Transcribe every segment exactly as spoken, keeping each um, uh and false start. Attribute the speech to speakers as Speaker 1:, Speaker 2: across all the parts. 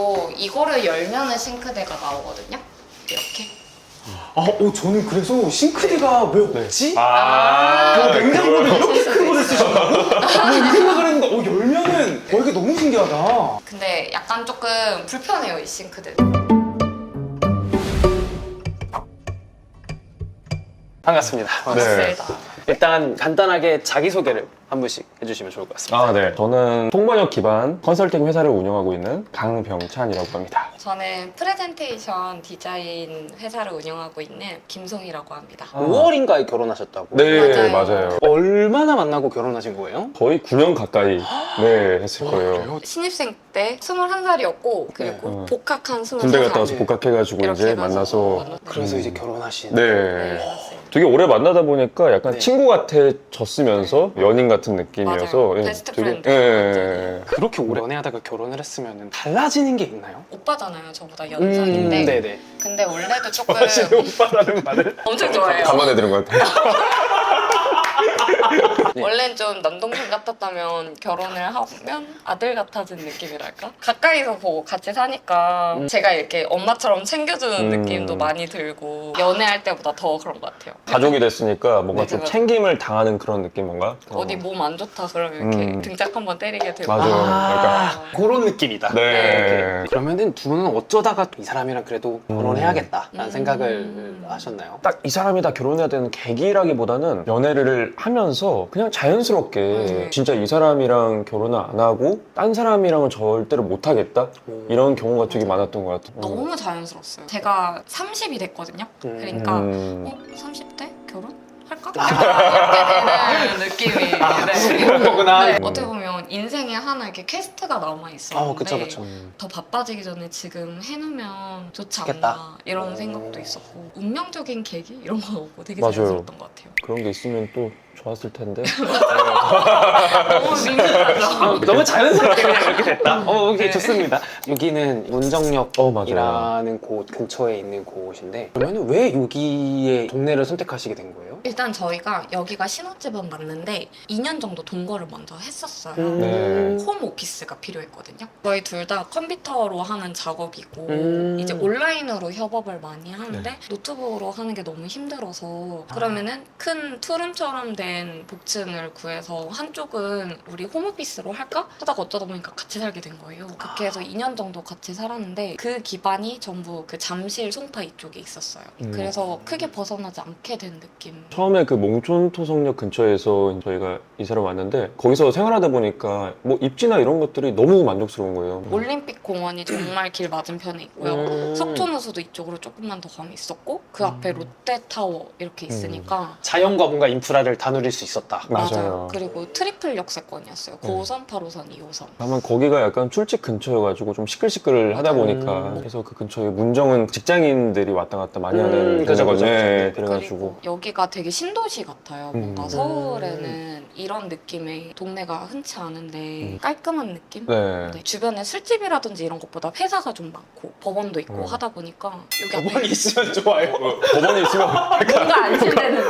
Speaker 1: 어, 이거를 열면은 싱크대가 나오거든요. 이렇게.
Speaker 2: 아, 어, 저는 그래서 싱크대가 왜 없지?
Speaker 3: 아,
Speaker 2: 어, 냉장고를
Speaker 1: 그걸-
Speaker 2: 이렇게 큰 거를 쓰신다고? 뭐 이 생각을 했는데, 어, 열면은, 어, 이게 너무 신기하다.
Speaker 1: 근데 약간 조금 불편해요, 이 싱크대.
Speaker 2: 반갑습니다.
Speaker 1: 맞습니다.
Speaker 2: 일단 간단하게 자기소개를 한 분씩 해주시면 좋을 것 같습니다.
Speaker 3: 아, 네. 저는 통번역 기반 컨설팅 회사를 운영하고 있는 강병찬이라고 합니다.
Speaker 1: 저는 프레젠테이션 디자인 회사를 운영하고 있는 김송이라고 합니다.
Speaker 2: 오월인가에 결혼하셨다고?
Speaker 3: 네,
Speaker 1: 맞아요.
Speaker 3: 맞아요.
Speaker 2: 얼마나 만나고 결혼하신 거예요?
Speaker 3: 거의 구 년 가까이 네, 했을 거예요.
Speaker 2: 그래요?
Speaker 1: 신입생 때 스물한 살이었고 그리고
Speaker 3: 네.
Speaker 1: 복학한 스물세 살.
Speaker 3: 군대 갔다 와서
Speaker 2: 네.
Speaker 3: 복학해가지고
Speaker 1: 이렇게
Speaker 3: 이제
Speaker 1: 해가지고
Speaker 3: 만나서
Speaker 1: 만났어요.
Speaker 2: 그래서
Speaker 3: 음.
Speaker 2: 이제 결혼하신.
Speaker 1: 네,
Speaker 3: 네.
Speaker 1: 맞습니다.
Speaker 3: 되게 오래 만나다 보니까 약간
Speaker 2: 네.
Speaker 3: 친구 같아졌으면서 연인 같은 느낌이어서
Speaker 1: 맞아요.
Speaker 3: 예,
Speaker 1: 베스트
Speaker 3: 되게-
Speaker 1: 프렌드.
Speaker 3: 예, 예, 예.
Speaker 2: 그렇게 오래 연애하다가 결혼을 했으면 달라지는 게 있나요?
Speaker 1: 오빠잖아요, 저보다 연상인데.
Speaker 2: 음, 네네.
Speaker 1: 근데 원래도 조금
Speaker 2: 오빠라는 말을.
Speaker 1: 엄청 좋아해요.
Speaker 3: 감안해드린 것 같아요.
Speaker 2: 네.
Speaker 1: 원래는 좀 남동생 같았다면 결혼을 하면 아들 같아진 느낌이랄까? 가까이서 보고 같이 사니까
Speaker 2: 음.
Speaker 1: 제가 이렇게 엄마처럼 챙겨주는
Speaker 3: 음.
Speaker 1: 느낌도 많이 들고 연애할 때보다 더 그런 것 같아요.
Speaker 3: 가족이 됐으니까 뭔가
Speaker 1: 네,
Speaker 3: 좀
Speaker 1: 맞아요.
Speaker 3: 챙김을 당하는 그런 느낌 뭔가?
Speaker 1: 어디 몸 안 좋다 그러면 이렇게
Speaker 3: 음.
Speaker 1: 등짝 한번 때리게 되고
Speaker 3: 맞아요.
Speaker 2: 아, 그런 느낌이다.
Speaker 3: 네.
Speaker 2: 그러면은 두 분은 어쩌다가 이 사람이랑 그래도 결혼해야겠다라는
Speaker 1: 음.
Speaker 2: 생각을 하셨나요?
Speaker 3: 딱 이 사람이다 결혼해야 되는 계기라기보다는 연애를 하면서 그냥 자연스럽게
Speaker 1: 음.
Speaker 3: 진짜 이 사람이랑 결혼을 안 하고 딴 사람이랑은 절대로 못 하겠다 이런 경우가 되게 많았던 것 같아요.
Speaker 1: 너무 자연스러웠어요. 제가 삼십이 됐거든요.
Speaker 2: 음.
Speaker 1: 그러니까
Speaker 3: 음.
Speaker 1: 어? 삼십 대? 결혼? 할까? 약간 이렇게 되는 느낌이 네.
Speaker 2: 그런 거구나.
Speaker 1: 네. 어떻게 보면 인생에 하나 이렇게 퀘스트가 남아있었는데
Speaker 2: 어, 그쵸, 그쵸.
Speaker 3: 음.
Speaker 1: 더 바빠지기 전에 지금 해놓으면 좋지
Speaker 2: 좋겠다.
Speaker 1: 않나 이런
Speaker 2: 오.
Speaker 1: 생각도 있었고 운명적인 계기? 이런 건 없고 되게
Speaker 3: 맞아요.
Speaker 1: 자연스러웠던 것 같아요.
Speaker 3: 그런 게 있으면 또 좋았을 텐데.
Speaker 1: 너무 밋밋하죠?
Speaker 2: 너무 자연스럽게 그냥 이렇게 됐다. 어, 오케이, 좋습니다. 여기는 문정역이라는
Speaker 3: 어, 맞아요.
Speaker 2: 곳 근처에 있는 곳인데 그러면 왜 여기에 동네를 선택하시게 된 거예요?
Speaker 1: 일단 저희가 여기가 신혼집은 맞는데 이 년 정도 동거를 먼저 했었어요.
Speaker 3: 네.
Speaker 1: 홈 오피스가 필요했거든요. 저희 둘 다 컴퓨터로 하는 작업이고
Speaker 2: 음.
Speaker 1: 이제 온라인으로 협업을 많이 하는데
Speaker 3: 네.
Speaker 1: 노트북으로 하는 게 너무 힘들어서 그러면은 큰 투룸처럼 된 복층을 구해서 한쪽은 우리 홈 오피스로 할까? 하다가 어쩌다 보니까 같이 살게 된 거예요. 그렇게 해서 이 년 정도 같이 살았는데 그 기반이 전부 그 잠실 송파 이쪽에 있었어요.
Speaker 3: 음.
Speaker 1: 그래서 크게 벗어나지 않게 된 느낌.
Speaker 3: 처음에 그 몽촌토성역 근처에서 저희가 이사를 왔는데 거기서 생활하다 보니까 뭐 입지나 이런 것들이 너무 만족스러운 거예요.
Speaker 1: 올림픽 공원이 정말 길 맞은편에 있고요.
Speaker 2: 음.
Speaker 1: 석촌호수도 이쪽으로 조금만 더 가면 있었고 그 앞에 롯데타워 이렇게 있으니까
Speaker 2: 자연과 뭔가 인프라를 다 누릴 수 있었다.
Speaker 3: 맞아요.
Speaker 1: 그리고 트리플 역세권이었어요. 구 호선, 팔 호선, 이 호선.
Speaker 3: 다만 거기가 약간 출직 근처여가지고 좀 시끌시끌 하다
Speaker 1: 맞아요.
Speaker 3: 보니까
Speaker 2: 음.
Speaker 3: 그래서 그 근처에 문정은 직장인들이 왔다 갔다 많이
Speaker 2: 음,
Speaker 3: 하는
Speaker 2: 그죠,
Speaker 3: 데거든요.
Speaker 2: 그죠, 그죠.
Speaker 3: 네,
Speaker 1: 그리고
Speaker 3: 그래가지고
Speaker 1: 여기가 되게 신도시 같아요. 뭔가
Speaker 3: 음.
Speaker 1: 서울에는 이런 느낌의 동네가 흔치 않은데
Speaker 3: 음.
Speaker 1: 깔끔한 느낌?
Speaker 3: 네.
Speaker 1: 네, 주변에 술집이라든지 이런 것보다 회사가 좀 많고 법원도 있고
Speaker 3: 음.
Speaker 1: 하다 보니까 여기 앞에
Speaker 2: 법원이 있으면 좋아요.
Speaker 3: 법원에 있으면
Speaker 1: 뭔가 안심되는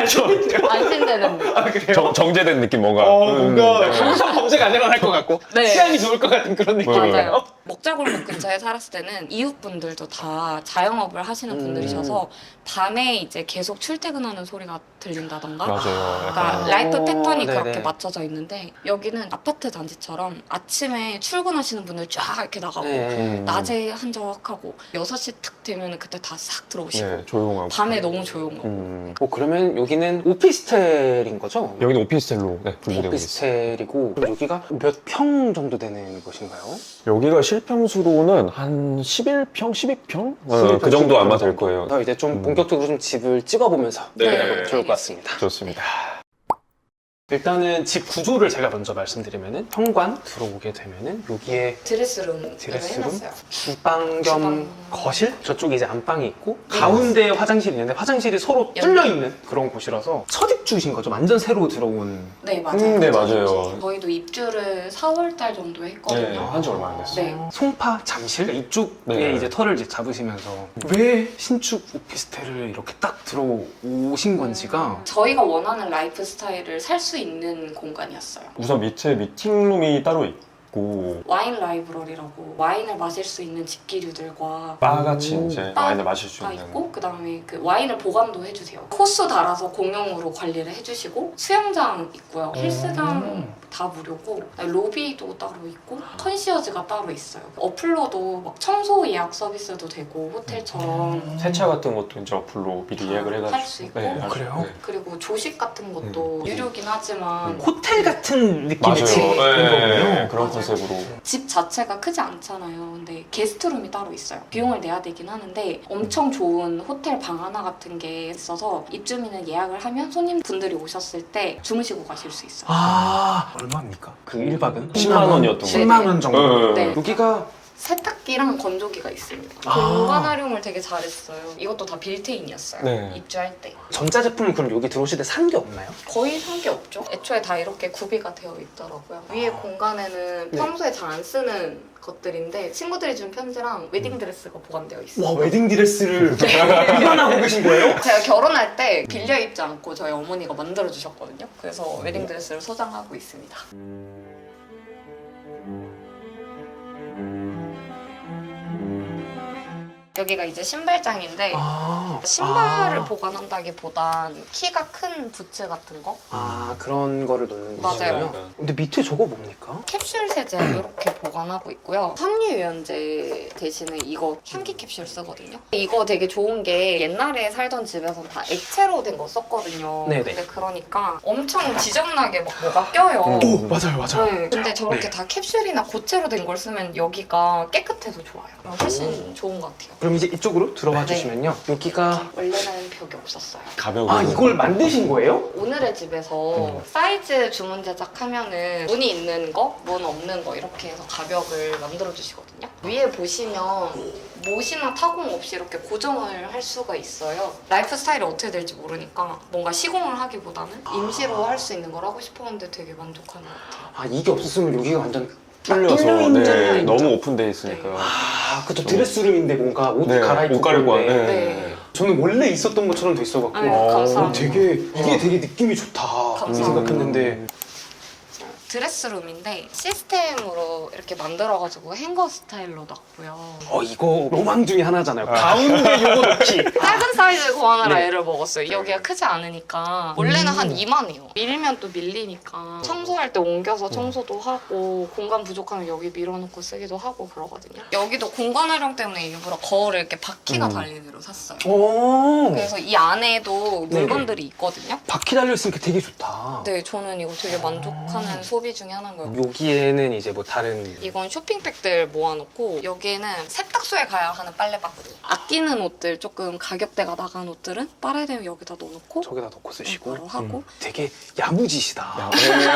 Speaker 1: 느낌. 안심되는 느낌.
Speaker 2: 아, 그래요?
Speaker 3: 정, 정제된 느낌 뭔가.
Speaker 2: 어,
Speaker 3: 음,
Speaker 2: 뭔가
Speaker 3: 네.
Speaker 2: 평소 범죄가 안 일어날 것 같고
Speaker 1: 네.
Speaker 2: 치안이 좋을 것 같은 그런 느낌이에요.
Speaker 1: 맞아요. 먹자골목 근처에 살았을 때는 이웃분들도 다 자영업을 하시는
Speaker 2: 음.
Speaker 1: 분들이셔서 밤에 이제 계속 출퇴근하는 소리가 들린다던가
Speaker 3: 맞아요.
Speaker 1: 그러니까
Speaker 3: 약간
Speaker 1: 라이프
Speaker 2: 어,
Speaker 1: 패턴이
Speaker 2: 네네.
Speaker 1: 그렇게 맞춰져 있는데 여기는 아파트 단지처럼 아침에 출근하시는 분들 쫙 이렇게 나가고
Speaker 2: 네.
Speaker 3: 음.
Speaker 1: 낮에 한적하고 여섯 시 탁 되면 그때 다 싹 들어오시고
Speaker 3: 네, 조용하고.
Speaker 1: 밤에 너무 조용하고
Speaker 3: 음.
Speaker 2: 어, 그러면 여기는 오피스텔인 거죠?
Speaker 3: 여기는 오피스텔로 네, 분리되고 있어요.
Speaker 2: 오피스텔이고 그럼 여기가 몇 평 정도 되는 곳인가요?
Speaker 3: 여기가 실평수로는 한 십일 평, 십이 평?
Speaker 2: 십일 평,
Speaker 3: 그 정도
Speaker 2: 십이
Speaker 3: 아마
Speaker 2: 평
Speaker 3: 될
Speaker 2: 정도.
Speaker 3: 거예요.
Speaker 2: 그래서 이제 좀
Speaker 3: 음.
Speaker 2: 본격적으로 좀 집을 찍어보면서
Speaker 1: 네.
Speaker 2: 해보면 좋을 것 같습니다.
Speaker 3: 좋습니다.
Speaker 2: 일단은 집 구조를 제가 먼저 말씀드리면은 현관 들어오게 되면은 여기에
Speaker 1: 드레스룸
Speaker 2: 드레스룸?
Speaker 1: 해놨어요.
Speaker 2: 주방 겸
Speaker 1: 주방.
Speaker 2: 거실? 저쪽에 이제 안방이 있고
Speaker 1: 네.
Speaker 2: 가운데에 화장실이 있는데 화장실이 서로
Speaker 1: 연-
Speaker 2: 뚫려 있는 그런 곳이라서 첫 입주신 거죠? 완전 새로 들어온.
Speaker 1: 네 맞아요.
Speaker 3: 음, 네, 맞아요.
Speaker 1: 저희도 입주를 사월 달 정도
Speaker 3: 네,
Speaker 1: 했거든요.
Speaker 3: 한지 얼마 안 됐어요.
Speaker 1: 네.
Speaker 2: 송파 잠실 이쪽에
Speaker 3: 네.
Speaker 2: 이제 터를 이제 잡으시면서 왜 신축 오피스텔을 이렇게 딱 들어오신 건지가
Speaker 1: 저희가 원하는 라이프 스타일을 살 수 있는 공간이었어요.
Speaker 3: 우선 밑에 미팅룸이 따로 있고
Speaker 1: 와인 라이브러리라고 와인을 마실 수 있는 집기류들과
Speaker 3: 바같이
Speaker 2: 음.
Speaker 3: 이제
Speaker 1: 바-
Speaker 3: 와인을 마실 수
Speaker 1: 가
Speaker 3: 있는
Speaker 1: 있고 그다음에 그 와인을 보관도 해주세요. 코스 달아서 공용으로 관리를 해주시고 수영장 있고요. 헬스장 다 무료고 로비도 따로 있고 컨시어즈가 따로 있어요. 어플로도 막 청소 예약 서비스도 되고 호텔처럼
Speaker 3: 세차 같은 것도 이제 어플로 미리 예약을 해가지고
Speaker 1: 할 수 있고.
Speaker 3: 할 수-
Speaker 2: 그래요?
Speaker 3: 네.
Speaker 1: 그리고 조식 같은 것도
Speaker 3: 음.
Speaker 1: 유료긴 하지만
Speaker 3: 음.
Speaker 2: 호텔 같은 느낌의
Speaker 3: 맞아요.
Speaker 2: 집인
Speaker 3: 네,
Speaker 2: 거군요.
Speaker 3: 그런
Speaker 1: 맞아요.
Speaker 3: 컨셉으로
Speaker 1: 집 자체가 크지 않잖아요. 근데 게스트룸이 따로 있어요. 비용을 내야 되긴 하는데 엄청 좋은 호텔 방 하나 같은 게 있어서 입주민은 예약을 하면 손님분들이 오셨을 때 주무시고 가실 수 있어요.
Speaker 2: 아, 얼마입니까? 그 일 박은?
Speaker 3: 십만 원이었던 거예요.
Speaker 2: 십만 원 정도.
Speaker 3: 네.
Speaker 1: 네.
Speaker 2: 여기가
Speaker 1: 세탁기랑 건조기가 있습니다.
Speaker 2: 아.
Speaker 1: 공간 활용을 되게 잘했어요. 이것도 다 빌트인이었어요.
Speaker 3: 네.
Speaker 1: 입주할 때.
Speaker 2: 전자제품은 그럼 여기 들어오실 때 산 게 없나요?
Speaker 1: 거의 산 게 없죠. 애초에 다 이렇게 구비가 되어 있더라고요. 위에 공간에는
Speaker 2: 네.
Speaker 1: 평소에 잘 안 쓰는 것들인데 친구들이 준 편지랑 웨딩드레스가 보관되어 있어요.
Speaker 2: 와, 웨딩드레스를 보관하고 계신 거예요?
Speaker 1: 제가 결혼할 때 빌려 입지 않고 저희 어머니가 만들어 주셨거든요. 그래서 웨딩드레스를 소장하고 있습니다. 여기가 이제 신발장인데
Speaker 2: 아,
Speaker 1: 신발을
Speaker 2: 아.
Speaker 1: 보관한다기보단 키가 큰 부츠 같은 거?
Speaker 2: 아, 그런 거를 놓는
Speaker 1: 맞아요.
Speaker 2: 거군요. 근데 밑에 저거 뭡니까?
Speaker 1: 캡슐 세제 이렇게 보관하고 있고요. 섬유유연제 대신에 이거 향기 캡슐 쓰거든요. 이거 되게 좋은 게 옛날에 살던 집에서는 다 액체로 된 거 썼거든요.
Speaker 2: 네네.
Speaker 1: 근데 그러니까 엄청 지저분하게 막 뭐가 껴요.
Speaker 2: 오, 맞아요, 맞아요.
Speaker 1: 네, 근데 저렇게
Speaker 2: 네.
Speaker 1: 다 캡슐이나 고체로 된 걸 쓰면 여기가 깨끗해서 좋아요. 훨씬 좋은 것 같아요.
Speaker 2: 그럼 이제 이쪽으로 들어와
Speaker 1: 네.
Speaker 2: 주시면요. 여기가
Speaker 1: 원래는 벽이 없었어요.
Speaker 3: 가벼운
Speaker 2: 아, 이걸 만드신 거예요?
Speaker 1: 오늘의 집에서
Speaker 3: 음.
Speaker 1: 사이즈 주문 제작하면은 문이 있는 거, 문 없는 거 이렇게 해서 가벽을 만들어 주시거든요. 위에 보시면 못이나 타공 없이 이렇게 고정을 할 수가 있어요. 라이프 스타일이 어떻게 될지 모르니까 뭔가 시공을 하기보다는 임시로 할 수 있는 걸 하고 싶었는데 되게 만족하는 것 같아요.
Speaker 2: 아, 이게 없었으면 여기가 완전
Speaker 3: 뚫려서
Speaker 2: 뚫려 있는
Speaker 3: 네,
Speaker 2: 거죠.
Speaker 3: 너무 오픈돼 있으니까
Speaker 2: 아, 그쵸.
Speaker 3: 저-
Speaker 2: 드레스룸인데 뭔가 옷
Speaker 3: 네,
Speaker 2: 갈아입고
Speaker 3: 옷 갈아입고
Speaker 2: 그런데
Speaker 3: 네.
Speaker 1: 네.
Speaker 2: 저는 원래 있었던 것처럼 돼 있어갖고
Speaker 1: 아유,
Speaker 2: 어,
Speaker 1: 감사합니다.
Speaker 2: 되게 이게
Speaker 3: 어.
Speaker 2: 되게 느낌이 좋다
Speaker 1: 감사합니다.
Speaker 2: 생각했는데
Speaker 1: 드레스룸인데 시스템으로 이렇게 만들어가지고 행거 스타일로 놨고요.
Speaker 2: 어 이거 로망 중에 하나잖아요. 가운데 요거 넣기.
Speaker 1: 작은 사이즈 구하느라
Speaker 2: 네.
Speaker 1: 애를 먹었어요. 여기가 크지 않으니까 원래는 한 이만해요. 밀면 또 밀리니까 청소할 때 옮겨서 청소도 하고 공간 부족하면 여기 밀어놓고 쓰기도 하고 그러거든요. 여기도 공간 활용 때문에 일부러 거울을 이렇게 바퀴가
Speaker 3: 음.
Speaker 1: 달린 애로 샀어요.
Speaker 2: 오.
Speaker 1: 그래서 이 안에도
Speaker 2: 네네.
Speaker 1: 물건들이 있거든요.
Speaker 2: 바퀴 달려 있으니까 되게 좋다.
Speaker 1: 네, 저는 이거 되게 만족하는 소비 중에 하나인 거예요.
Speaker 2: 여기에는 이제 뭐 다른
Speaker 1: 이건 쇼핑백들 모아놓고 여기에는 세탁소에 가야 하는 빨래바구니. 아끼는 옷들 조금 가격대가 나간 옷들은 빨아야 되면 여기다 넣어놓고
Speaker 2: 저기다 넣고 쓰시고
Speaker 1: 바로 하고.
Speaker 2: 되게 야무지시다.
Speaker 3: 야,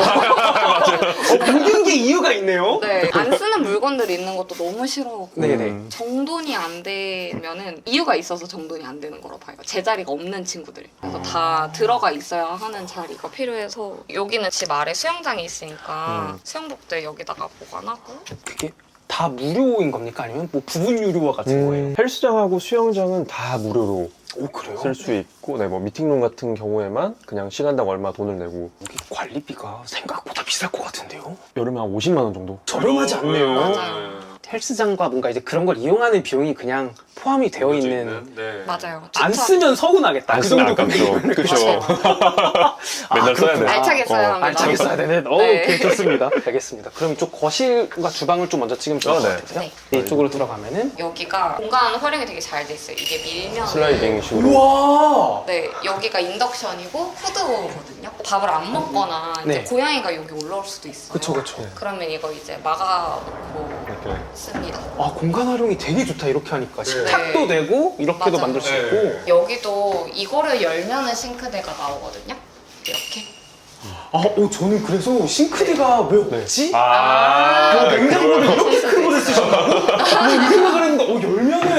Speaker 2: 어, 모든 게 이유가 있네요.
Speaker 1: 네, 안 쓰는 물건들이 있는 것도 너무 싫어하고
Speaker 2: 네네.
Speaker 3: 음.
Speaker 1: 정돈이 안 되면은 이유가 있어서 정돈이 안 되는 거로 봐요. 제자리가 없는 친구들. 그래서 다 들어가 있어야 하는 자리가 필요해서 여기는 집 아래 수영장이 있으니까
Speaker 3: 음.
Speaker 1: 수영복들 여기다가 보관하고
Speaker 2: 그게 다 무료인 겁니까? 아니면 뭐 부분 유료와 같은 거예요?
Speaker 3: 음, 헬스장하고 수영장은 다 무료로
Speaker 2: 오 그래요?
Speaker 3: 쓸 수 있고, 네, 뭐 미팅룸 같은 경우에만 그냥 시간당 얼마 돈을 내고
Speaker 2: 여기 관리비가 생각보다 비쌀 것 같은데요?
Speaker 3: 여름에 한 오십만 원 정도.
Speaker 2: 저렴하지 않네요.
Speaker 1: 맞아요.
Speaker 2: 헬스장과 뭔가 이제 그런 걸 이용하는 비용이 그냥 포함이 되어 있는.
Speaker 3: 네.
Speaker 1: 맞아요.
Speaker 2: 안
Speaker 1: 주차-
Speaker 2: 쓰면 서운하겠다.
Speaker 3: 안
Speaker 2: 그
Speaker 3: 쓰면
Speaker 2: 정도
Speaker 3: 아깝죠.
Speaker 2: 금액이면.
Speaker 3: 그쵸.
Speaker 1: 맞아요.
Speaker 3: 맨날 써야 돼.
Speaker 2: 그렇구나.
Speaker 1: 알차게 써야
Speaker 3: 어,
Speaker 1: 합니다.
Speaker 2: 알차게 써야 되네. 어,
Speaker 1: 네.
Speaker 2: 오케이, 좋습니다. 알겠습니다. 그럼 이쪽 거실과 주방을 좀 먼저 찍으면 좋을
Speaker 3: 어,
Speaker 2: 것
Speaker 3: 네.
Speaker 2: 같아요.
Speaker 1: 네.
Speaker 2: 이쪽으로 들어가면은
Speaker 1: 여기가 공간 활용이 되게 잘 돼 있어요. 이게 밀면
Speaker 3: 슬라이딩식으로.
Speaker 2: 우와!
Speaker 1: 네, 여기가 인덕션이고 후드거든요. 밥을 안 먹거나 이제
Speaker 2: 네.
Speaker 1: 고양이가 여기 올라올 수도 있어요.
Speaker 2: 그쵸, 그쵸.
Speaker 1: 그러면 이거 이제 막아놓고
Speaker 3: 이렇게.
Speaker 1: 씁니다.
Speaker 2: 아, 공간 활용이 되게 좋다, 이렇게 하니까. 식탁도
Speaker 1: 네.
Speaker 2: 되고, 이렇게도
Speaker 1: 맞아요.
Speaker 2: 만들 수
Speaker 3: 네.
Speaker 2: 있고.
Speaker 1: 여기도 이거를 열면은 싱크대가 나오거든요. 이렇게.
Speaker 2: 아, 어, 저는 그래서 싱크대가 왜 없지?
Speaker 1: 아,
Speaker 2: 아, 냉장고를
Speaker 1: 그래요?
Speaker 2: 이렇게 큰 거를 쓰셨다고? 뭐 이 생각을 했는데, 어, 열면은, 어, 이게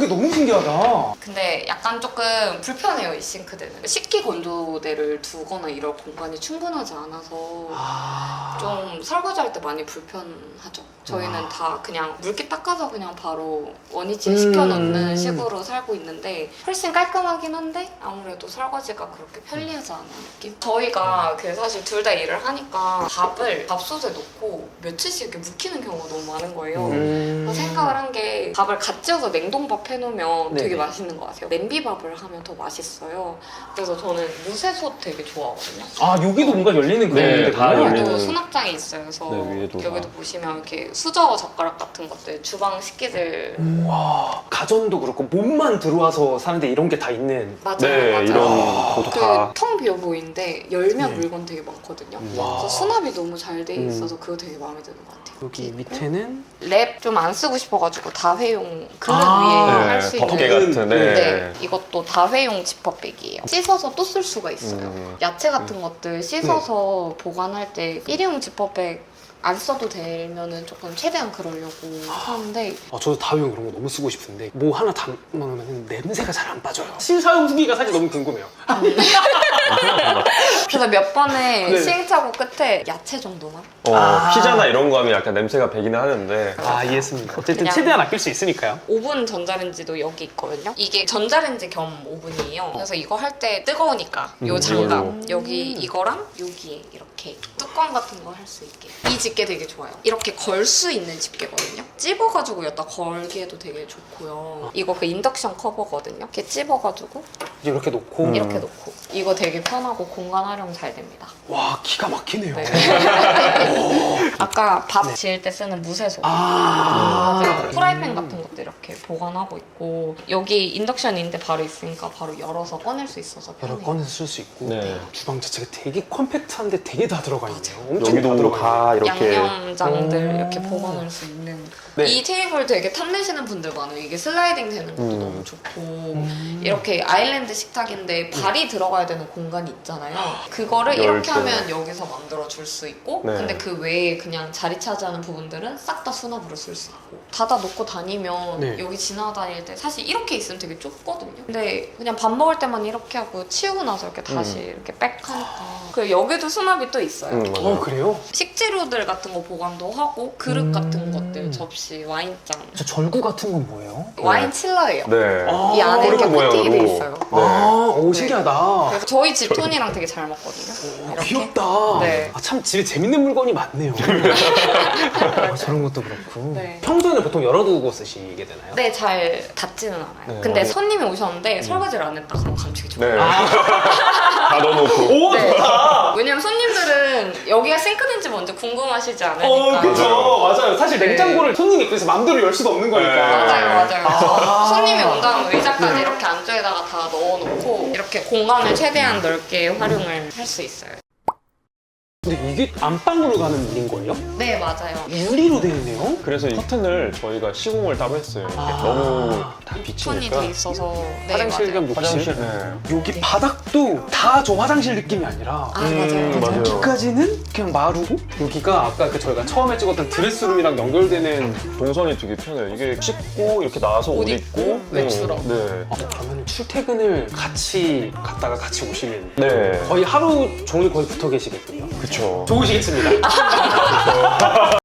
Speaker 2: 이게 너무 신기하다.
Speaker 1: 근데 약간 조금 불편해요, 이 싱크대는. 식기 건조대를 두거나 이럴 공간이 충분하지 않아서
Speaker 2: 아...
Speaker 1: 좀 설거지할 때 많이 불편하죠. 저희는
Speaker 2: 와.
Speaker 1: 다 그냥 물기 닦아서 그냥 바로 원위치에
Speaker 2: 음.
Speaker 1: 시켜놓는 식으로 살고 있는데 훨씬 깔끔하긴 한데 아무래도 설거지가 그렇게 편리하지 않은 느낌? 저희가 그 사실 둘 다 일을 하니까 밥을 밥솥에 넣고 며칠씩 이렇게 묵히는 경우가 너무 많은 거예요.
Speaker 2: 음...
Speaker 1: 그래서 생각을 한 게 밥을 갓 지어서 냉동밥 해놓으면
Speaker 2: 네네.
Speaker 1: 되게 맛있는 것 같아요. 냄비밥을 하면 더 맛있어요. 그래서 저는 무쇠솥 되게 좋아하거든요.
Speaker 2: 아 여기도 뭔가 열리는 그런
Speaker 3: 네,
Speaker 2: 데군요.
Speaker 3: 다 열리는.
Speaker 1: 여기도 수납장이 있어요. 그래서
Speaker 3: 네, 위에도
Speaker 1: 여기도
Speaker 3: 다.
Speaker 1: 보시면 이렇게 수저 젓가락 같은 것들, 주방 식기들
Speaker 2: 와 가전도 그렇고 몸만 들어와서 사는데 이런 게 다 있는.
Speaker 1: 맞아요,
Speaker 3: 네,
Speaker 1: 맞아요.
Speaker 3: 이런 것도 다.
Speaker 1: 그 텅 비어 보이는데 열면
Speaker 2: 네.
Speaker 1: 물건 되게 많거든요.
Speaker 2: 와.
Speaker 1: 그래서 수납이 너무 잘 돼
Speaker 2: 음.
Speaker 1: 있어서 그거 되게 마음에 드는 것 같아요.
Speaker 2: 여기
Speaker 1: 있고.
Speaker 2: 밑에는
Speaker 1: 랩 좀 안 쓰고 싶어가지고 다회용 그릇
Speaker 2: 아,
Speaker 1: 위에 할 수
Speaker 3: 네,
Speaker 1: 있는
Speaker 3: 덮개 같은. 네.
Speaker 1: 네, 이것도 다회용 지퍼백이에요. 씻어서 또 쓸 수가 있어요.
Speaker 3: 음.
Speaker 1: 야채 같은 것들 씻어서 보관할 때 일회용 지퍼백 안 써도 되면은 조금 최대한 그러려고 하는데
Speaker 2: 아, 저도 다회용 그런 거 너무 쓰고 싶은데 뭐 하나 담아놓으면 냄새가 잘 안 빠져요. 신사용 후기가 사실 너무 궁금해요.
Speaker 1: 그래서 몇 번의
Speaker 2: 네.
Speaker 1: 시행착오 끝에 야채 정도만
Speaker 3: 어,
Speaker 2: 아.
Speaker 3: 피자나 이런 거 하면 약간 냄새가 배기는 하는데.
Speaker 2: 아 이해했습니다. 어쨌든
Speaker 1: 그냥-
Speaker 2: 최대한 아낄 수 있으니까요.
Speaker 1: 오븐 전자레인지도 여기 있거든요. 이게 전자레인지 겸 오븐이에요. 그래서 이거 할 때 뜨거우니까 요
Speaker 3: 음,
Speaker 1: 장갑
Speaker 3: 이걸로.
Speaker 1: 여기 이거랑 여기에 이렇게 뚜껑 같은 거 할 수 있게. 이 집게 되게 좋아요. 이렇게 걸 수 있는 집게거든요. 찝어가지고 여기다 걸기에도 되게 좋고요. 이거 그 인덕션 커버거든요. 이렇게 찝어가지고
Speaker 2: 이제 이렇게 놓고
Speaker 3: 음.
Speaker 1: 이렇게 놓고 이거 되게 편하고 공간 활용 잘 됩니다.
Speaker 2: 와 기가 막히네요.
Speaker 1: 네. 아까 밥
Speaker 2: 네.
Speaker 1: 지을 때 쓰는 무쇠소.
Speaker 2: 아,
Speaker 1: 맞아요. 프라이팬 같은 것도 이렇게 보관하고 있고 여기 인덕션인데 바로 있으니까 바로 열어서 꺼낼 수 있어서
Speaker 2: 여러
Speaker 1: 편해요.
Speaker 2: 꺼내서 쓸 수 있고
Speaker 3: 네.
Speaker 2: 주방 자체가 되게 컴팩트한데 되게 다 들어가 있네요. 엄청 다
Speaker 3: 여기도
Speaker 2: 들어가
Speaker 3: 다
Speaker 2: 있네요.
Speaker 3: 이렇게.
Speaker 1: 양념장들
Speaker 2: 오.
Speaker 1: 이렇게 보관할 수 있는
Speaker 2: 네.
Speaker 1: 이 테이블 되게 탐내시는 분들 많아요. 이게 슬라이딩 되는 것도
Speaker 3: 음.
Speaker 1: 너무 좋고
Speaker 2: 음.
Speaker 1: 이렇게 아일랜드 식탁인데 발이 들어가야 되는 공간이 있잖아요. 그거를
Speaker 3: 열
Speaker 1: 이렇게
Speaker 3: 때.
Speaker 1: 하면 여기서 만들어 줄 수 있고
Speaker 3: 네.
Speaker 1: 근데 그 외에 그냥 자리 차지하는 부분들은 싹 다 수납으로 쓸 수 있고 닫아 놓고 다니면
Speaker 2: 네.
Speaker 1: 여기 지나다닐 때 사실 이렇게 있으면 되게 좁거든요. 근데 그냥 밥 먹을 때만 이렇게 하고 치우고 나서 이렇게 다시
Speaker 3: 음.
Speaker 1: 이렇게 빽 하니까 그리고 여기도 수납이 또 있어요.
Speaker 3: 음, 맞아요.
Speaker 2: 어 그래요?
Speaker 1: 식재료들 같은 거 보관도 하고 그릇
Speaker 2: 음.
Speaker 1: 같은 것들 접시 와인잔
Speaker 2: 저 절구 같은 건 뭐예요?
Speaker 1: 와인 칠러예요.
Speaker 3: 네.
Speaker 2: 아,
Speaker 1: 이 안에 이렇게
Speaker 3: 그런
Speaker 1: 코팅이 돼
Speaker 3: 모양으로.
Speaker 1: 있어요.
Speaker 3: 네.
Speaker 2: 아, 오
Speaker 1: 네.
Speaker 2: 신기하다.
Speaker 1: 그래서 저희 집 톤이랑 되게 잘 맞거든요.
Speaker 2: 오,
Speaker 1: 이렇게.
Speaker 2: 귀엽다.
Speaker 1: 네.
Speaker 2: 아, 참 집에 재밌는 물건이 많네요. 아, 저런 것도 그렇고.
Speaker 1: 네.
Speaker 2: 평소에는 보통 열어두고 쓰시게 되나요?
Speaker 1: 네, 잘 닿지는 않아요.
Speaker 3: 네.
Speaker 1: 근데
Speaker 3: 음.
Speaker 1: 손님이 오셨는데 설거지를 안 했다 그러면 감추기 좋아요.
Speaker 3: 네.
Speaker 2: 아.
Speaker 3: 다 넣어놓고.
Speaker 2: 오
Speaker 1: 네.
Speaker 2: 좋다.
Speaker 1: 왜냐면 손님들은 여기가 싱크대인지 먼저 궁금하시지 않으니까.
Speaker 2: 어 그죠 맞아요. 사실
Speaker 1: 네.
Speaker 2: 냉장고를 손님이 입구에서 맘대로 열 수가 없는 거니까.
Speaker 3: 네.
Speaker 1: 맞아요, 맞아요.
Speaker 2: 아.
Speaker 1: 손님이 온다면 의자까지 이렇게 안쪽에다가 다 넣어놓고 이렇게 공간을 최대한 넓게 활용을 할 수 있어요.
Speaker 2: 근데 이게 안방으로 가는 문인 거예요?
Speaker 1: 네, 맞아요.
Speaker 2: 유리로 되어 있네요.
Speaker 3: 그래서 이 커튼을 저희가 시공을 따로 했어요. 이게
Speaker 2: 아.
Speaker 3: 너무 다
Speaker 1: 톤이
Speaker 3: 비치니까.
Speaker 1: 돼 있어서 네,
Speaker 2: 화장실
Speaker 1: 맞아요.
Speaker 2: 겸 욕실.
Speaker 3: 화장실. 네.
Speaker 2: 여기
Speaker 1: 네.
Speaker 2: 바닥도 다 저 화장실 느낌이 아니라
Speaker 1: 아,
Speaker 3: 음,
Speaker 1: 맞아요.
Speaker 3: 맞아요.
Speaker 2: 여기까지는 그냥 마루고 여기가 아까 그 저희가 처음에 찍었던 드레스룸이랑 연결되는.
Speaker 3: 동선이 되게 편해요. 이게 씻고 이렇게 나와서 옷,
Speaker 1: 옷
Speaker 3: 입고,
Speaker 1: 입고, 외출하고.
Speaker 3: 네.
Speaker 2: 아, 그러면 출퇴근을 같이 갔다가 같이 오시는
Speaker 3: 네.
Speaker 2: 거의 하루 종일 거의 붙어 계시겠군요.
Speaker 3: 그쵸.
Speaker 2: 좋으시겠습니다.